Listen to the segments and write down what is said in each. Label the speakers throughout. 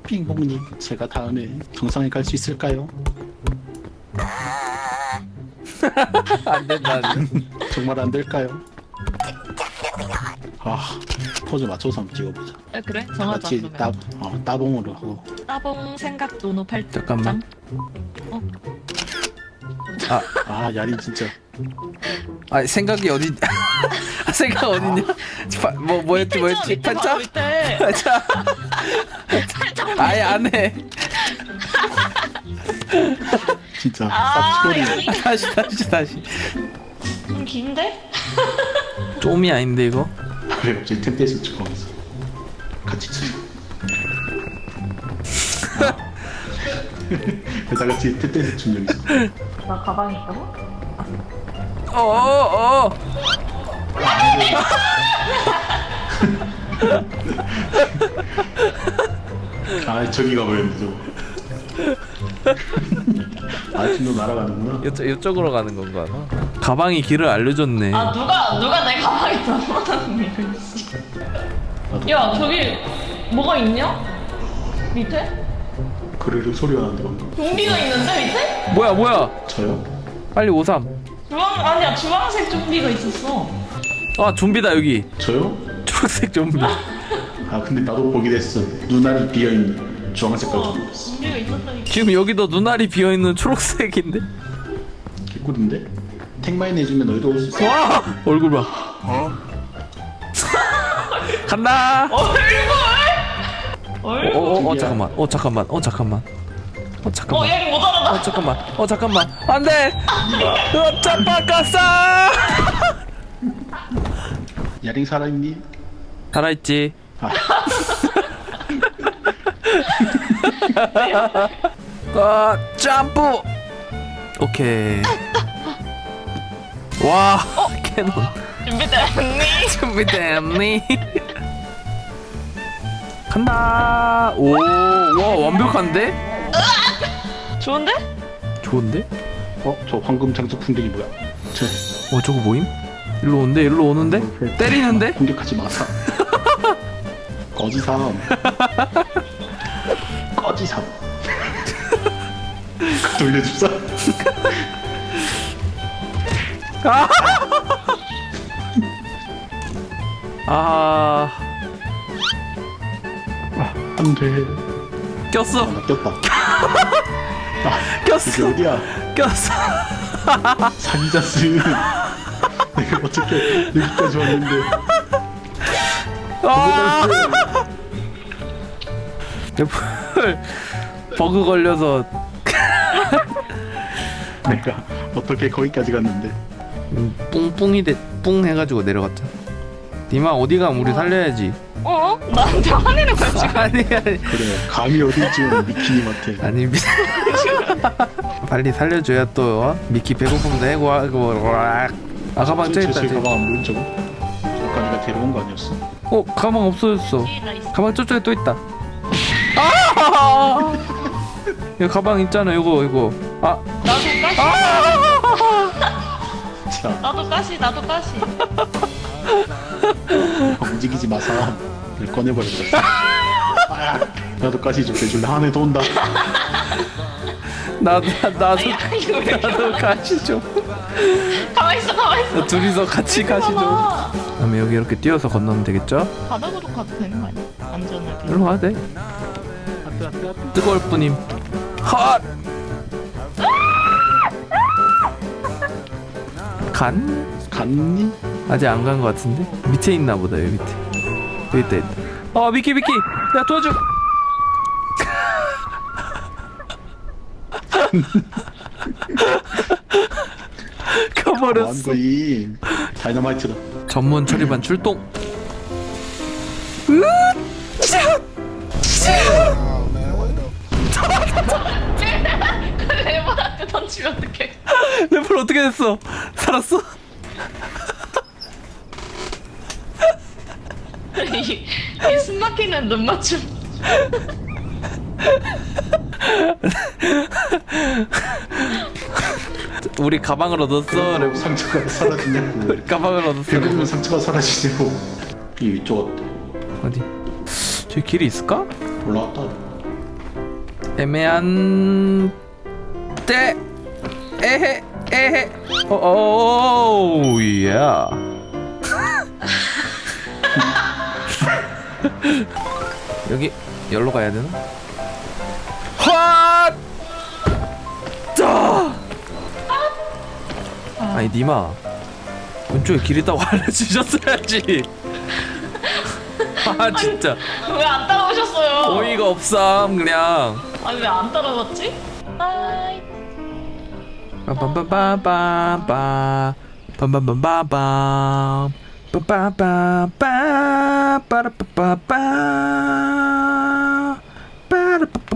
Speaker 1: 빙봉님, 제가 다음에 정상에 갈 수 있을까요?
Speaker 2: 안 된다.
Speaker 1: 정말 안 될까요? 아, 포즈 맞춰서 한번 찍어보자.
Speaker 3: 아, 그래? 정하자
Speaker 1: 같이
Speaker 3: 그러면.
Speaker 1: 따봉으로 하고.
Speaker 3: 따봉 생각 노노 팔.
Speaker 2: 잠깐만.
Speaker 1: 아, 야린 진짜.
Speaker 2: 아 생각이 어디? 아, 생각 어딨냐? 뭐였지? 팔자?
Speaker 3: 밑에.
Speaker 2: 팔자. 아예 안 해.
Speaker 1: 진짜
Speaker 3: 아,
Speaker 1: 싹치거리.
Speaker 2: 다시.
Speaker 3: 좀 긴데?
Speaker 2: 좀이 아닌데 이거?
Speaker 1: 그래, 갑자기 템페이스 찍어면서 같이 치. 다 같이 템페이스 춘 적 있어.
Speaker 3: 나 가방에 있다고?
Speaker 2: 어어어.
Speaker 1: 아, 저기 가버렸네 저거. 아, 지금 너 날아가는구나.
Speaker 2: 이쪽으로 가는 건가? 가방이 길을 알려줬네.
Speaker 3: 아 누가 내 가방에 넣어놨니? 야 저기 뭐가 있냐? 밑에?
Speaker 1: 그래도 소리가 나는데 방금.
Speaker 3: 좀비가 있는데 밑에?
Speaker 2: 뭐야?
Speaker 1: 저요?
Speaker 2: 빨리 오삼.
Speaker 3: 아니야 주황색 좀비가 있었어.
Speaker 2: 아 좀비다 여기.
Speaker 1: 저요?
Speaker 2: 초록색 좀비.
Speaker 1: 아, 근데 나도 보게 됐어. 눈알이 비어있는 주황색깔 좀 있어.
Speaker 3: 좀비가 있었다니까.
Speaker 2: 지금 여기도 눈알이 비어 있는 초록색인데.
Speaker 1: 개꿀인데? 택마인 해주면 너희도 올 수 있어.
Speaker 2: 와 얼굴 봐. 간다.
Speaker 3: 얼굴?
Speaker 2: 잠깐만.
Speaker 3: 얘는 못 알아봐.
Speaker 2: 잠깐만. 안돼. 짜파까싸.
Speaker 1: 야링 살아있니?
Speaker 2: 살아있지.
Speaker 1: 아,
Speaker 2: 점프. 오케이. 와 캐논 준비됐니? 간다. 와 완벽한데?
Speaker 3: 좋은데?
Speaker 2: 좋은데?
Speaker 1: 저 황금 장수 풍뎅이 뭐야?
Speaker 2: 저거 뭐임? 일로 오는데? 때리는데?
Speaker 1: 공격하지 마사. 거지삼. 거지삼. 돌려줍사.
Speaker 2: 아
Speaker 1: 안돼.
Speaker 2: 꼈어.
Speaker 1: 나 꼈다.
Speaker 2: 꼈어.
Speaker 1: 이게 어디야?
Speaker 2: 꼈어.
Speaker 1: 사기자스. 내가 어떻게 여기까지 왔는데.
Speaker 2: 아! 버그 걸려서
Speaker 1: 내가 어떻게 거기까지 갔는데.
Speaker 2: 뿡 해가지고 내려갔자. 니마 어디 가면 우리 살려야지.
Speaker 3: 나한테 화내는 거야 지금.
Speaker 2: 아니
Speaker 1: 그래, 감이 어딘지 미키님한테.
Speaker 2: 아니 빨리 살려줘야 또 미키 배고픔도 해고하고. 아 가방 저 있다.
Speaker 1: 제 가방 안 보인 저거? 저까지가 데려온 거 아니었어?
Speaker 2: 가방 없어졌어. 가방 저쪽에 또 있다. 아! 야 가방 있잖아 이거. 아
Speaker 3: 나도 까시.
Speaker 1: 자,
Speaker 3: 나도 까시.
Speaker 1: 움직이지 마사. 이걸 꺼내버렸다. 아, 나도 가시 좀 대줄래? 한 해 더 온다.
Speaker 2: 나도
Speaker 3: 이거 왜 이렇게
Speaker 2: 가시 좀.
Speaker 3: 가만 있어.
Speaker 2: 둘이서 같이 가시 좀. 그다음에 여기 이렇게 뛰어서 건너면 되겠죠?
Speaker 3: 바닥으로 가도 되는 거 아니야? 안전하게.
Speaker 2: 일로 와도 돼. 뜨거울 뿐임. 헛.
Speaker 1: 갔니?
Speaker 2: 아직 안 간 거 같은데? 밑에 있나 보다. 여기 밑에. 여기 있다. 미키. 야 도와줘. 가버렸어.
Speaker 1: 거의 다이너마이트다.
Speaker 2: 전문 처리반 출동.
Speaker 3: 레몬한테 던지면 어떡해?
Speaker 2: 래플 어떻게 됐어? 살았어?
Speaker 3: 이 숨막히는 눈 맞춤.
Speaker 2: 우리 가방을 얻었어. 래플.
Speaker 1: 상처가 사라지냐고.
Speaker 2: 우리 가방을 얻었어.
Speaker 1: 그러면 상처가 사라지냐고. 이 위쪽 어때?
Speaker 2: 어디? 저기 길이 있을까?
Speaker 1: 올라왔다.
Speaker 2: 애매한 때 에헤 에헤 오오 예. 여기 열로 가야 되나? 헛! 짜! 아니 니마 왼쪽에 길 있다고 알려주셨어야지. 아 진짜
Speaker 3: 왜 안 따라오셨어요?
Speaker 2: 어이가 없삼 그냥.
Speaker 3: 아니 왜 안 따라왔지? 아이.
Speaker 2: 빰빰빰빰빰빰 빰빰빰빰빰 빰빰빰빰 빠라빠빠빰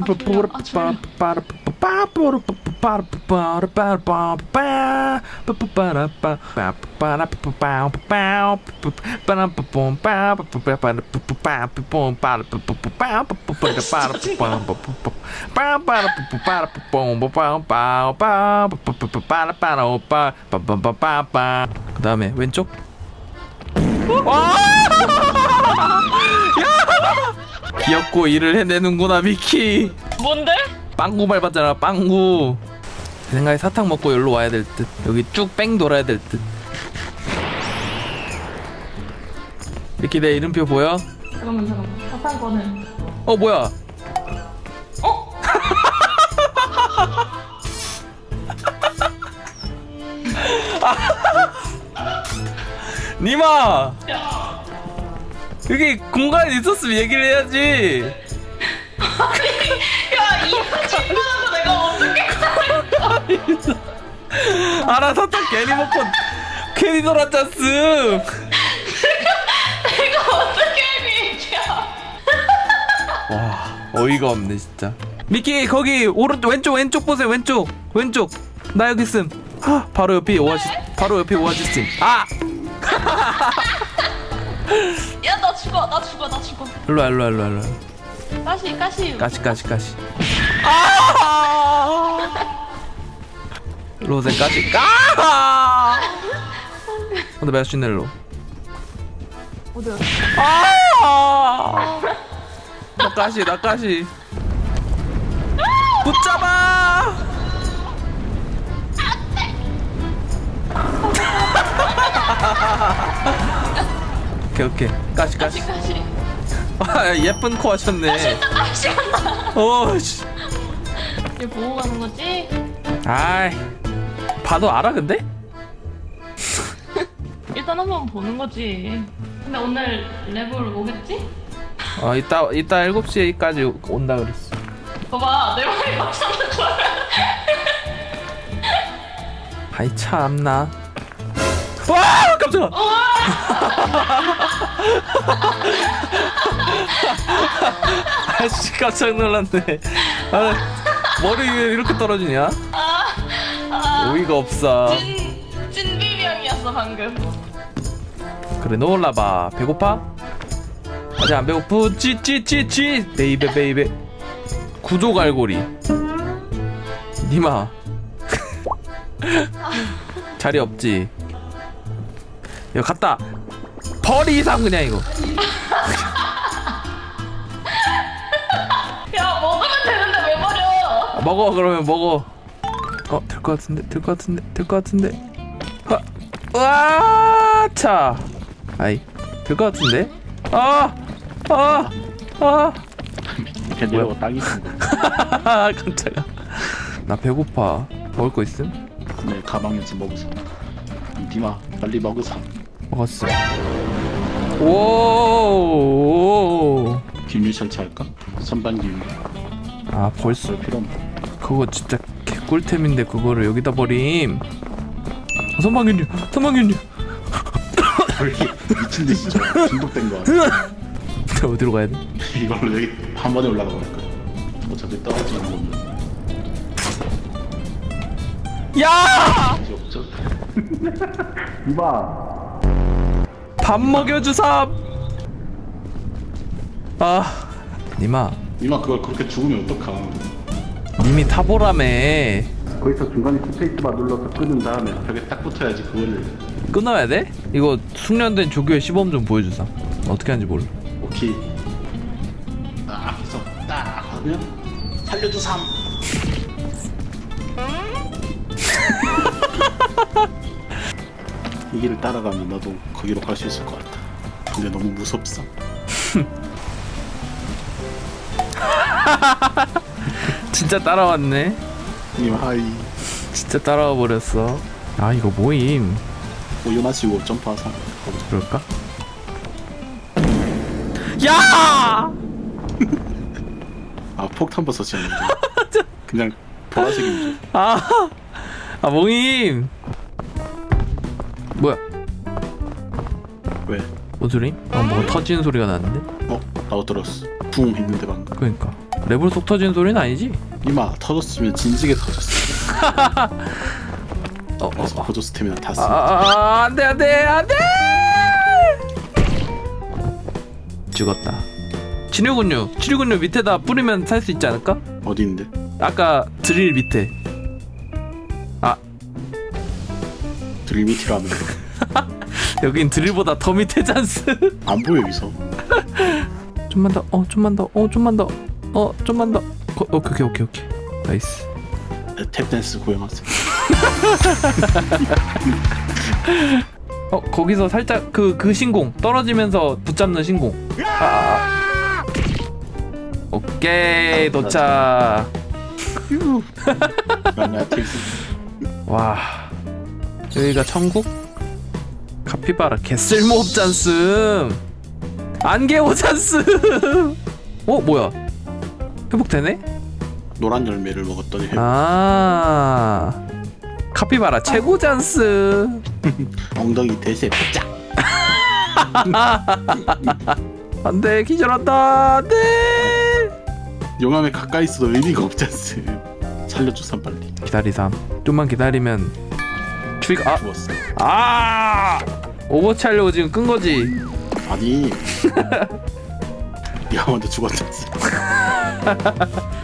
Speaker 2: 그 다음에 왼쪽. 귀엽고 일을 해내는구나 미키.
Speaker 3: 뭔데?
Speaker 2: 빵구 밟았잖아 빵구. 제 생각에 사탕 먹고 여기로 와야 될 듯. 여기 쭉 뺑 돌아야 될 듯. 미키 내 이름표 보여?
Speaker 3: 잠깐만 사탕권은
Speaker 2: 어 뭐야?
Speaker 3: 어?
Speaker 2: 니마
Speaker 3: 야,
Speaker 2: 여기 공간이 있었으면 얘기를 해야지.
Speaker 3: 야 이거 친구하고 내가 어떻게
Speaker 2: 알아 사탕 괜히 먹고 괜히 돌았잖스.
Speaker 3: 내가 어떻게 얘기야?
Speaker 2: 와 어이가 없네 진짜. 미키 거기 오른쪽 왼쪽 보세요. 왼쪽 나 여기 있음. 하, 바로 옆에 오아시스. 아
Speaker 3: 야 나 죽어.
Speaker 2: 일로와. 가시. 로제 가시. 근데 몇 시네 일로.
Speaker 3: 어디야?
Speaker 2: 나 가시. 붙잡아. 오케이. 가시. 아, 예쁜 코 하셨네. 씨.
Speaker 3: 얘 보고 가는 거지?
Speaker 2: 아이, 봐도 알아 근데?
Speaker 3: 일단 한번 보는 거지. 근데 오늘 랩을 오겠지?
Speaker 2: 이따 7시까지 온다 그랬어.
Speaker 3: 봐봐 내 말이 맞잖아.
Speaker 2: 아이 참나. 와 깜짝아. 아씨 깜짝 놀랐네. 머리 위에 이렇게 떨어지냐? 어이가 없어.
Speaker 3: 찐비명이었어 방금.
Speaker 2: 그래 놀라봐. 배고파? 아직 안 배고프? 찌 베이베 구조갈고리. 니마 자리 없지? 이거 갖다 버리삼 그냥 이거.
Speaker 3: 야 먹으면 되는데 왜 버려?
Speaker 2: 먹어 그러면 먹어. 될 것 같은데. 와, 차. 아이, 될 것 같은데.
Speaker 1: 걔네가 딱이 있는 거.
Speaker 2: 깜짝아. 나 배고파. 먹을 거 있음?
Speaker 1: 네 가방에서 먹으사. 디마 빨리 먹으사.
Speaker 2: 먹었어. 오.
Speaker 1: 기밀 설치할까? 선반 기밀.
Speaker 2: 아 벌써
Speaker 1: 필요 없나?
Speaker 2: 그거 진짜 개꿀템인데 그거를 여기다 버림. 선방균류.
Speaker 1: 미친 듯이 중독된 거 아니야?
Speaker 2: 어디로 가야 돼?
Speaker 1: 이걸로 여기 한 번에 올라가 볼까? 어차피 떨어지는 건데.
Speaker 2: 야!
Speaker 1: 이제 없죠? 이봐.
Speaker 2: 밥 먹여주삼. 니마
Speaker 1: 이마 그걸 그렇게 죽으면 어떡하?
Speaker 2: 님이 타보라며.
Speaker 1: 거기서 중간에 스페이스바 눌러서 끄는 다음에 벽에 딱 붙어야지 그거를.
Speaker 2: 끊어야 돼? 이거 숙련된 조교의 시범 좀 보여주삼. 어떻게 하는지 몰라.
Speaker 1: 오케이. 딱 해서 딱 하면 살려줘 삼. 이 길을 따라가면 나도 거기로 갈 수 있을 것 같아. 근데 너무 무섭어.
Speaker 2: 진짜 따라왔네.
Speaker 1: 님 하이.
Speaker 2: 진짜 따라와 버렸어. 아 이거 모임.
Speaker 1: 우유 마시고 점프하자.
Speaker 2: 그럴까? 야!
Speaker 1: 아 폭탄 버섯이었는데. 그냥 보라색인 줄.
Speaker 2: 아 모임. 뭐야?
Speaker 1: 왜?
Speaker 2: 뭔 소리? 뭐가 터지는 소리가 나는데?
Speaker 1: 나도 들었어. 붕 했는데 방금.
Speaker 2: 그러니까 레벨 속 터지는 소리는 아니지?
Speaker 1: 이마 터졌으면 진지게 터졌어. 그래서 보조 스태미나 다 쓰.
Speaker 2: 안돼 죽었다. 치료군요 밑에다 뿌리면 살 수 있지 않을까?
Speaker 1: 어디인데?
Speaker 2: 아까 드릴 밑에.
Speaker 1: 드릴 밑이라면
Speaker 2: 여긴 드릴보다 더 밑에 잔스.
Speaker 1: 안 보여 여기서.
Speaker 2: 좀만 더 오케이 나이스.
Speaker 1: 탭댄스 고용하세요.
Speaker 2: 거기서 살짝 그 신공 떨어지면서 붙잡는 신공. 오케이 도착. 와 여기가 천국? 카피바라 개쓸모없잖음. 안개오잖음. 뭐야 회복되네?
Speaker 1: 노란 열매를 먹었더니
Speaker 2: 카피바라 최고잖스.
Speaker 1: 엉덩이 대세 쫙.
Speaker 2: 안돼 기절한다. 안돼.
Speaker 1: 용암에 가까이 있어도 의미가 없잖스. 살려주삼 빨리.
Speaker 2: 기다리삼. 좀만 기다리면 추위가
Speaker 1: 죽었어.
Speaker 2: 오버워치 하려고 지금 끈 거지.
Speaker 1: 아니 네가 먼저 죽었잖스.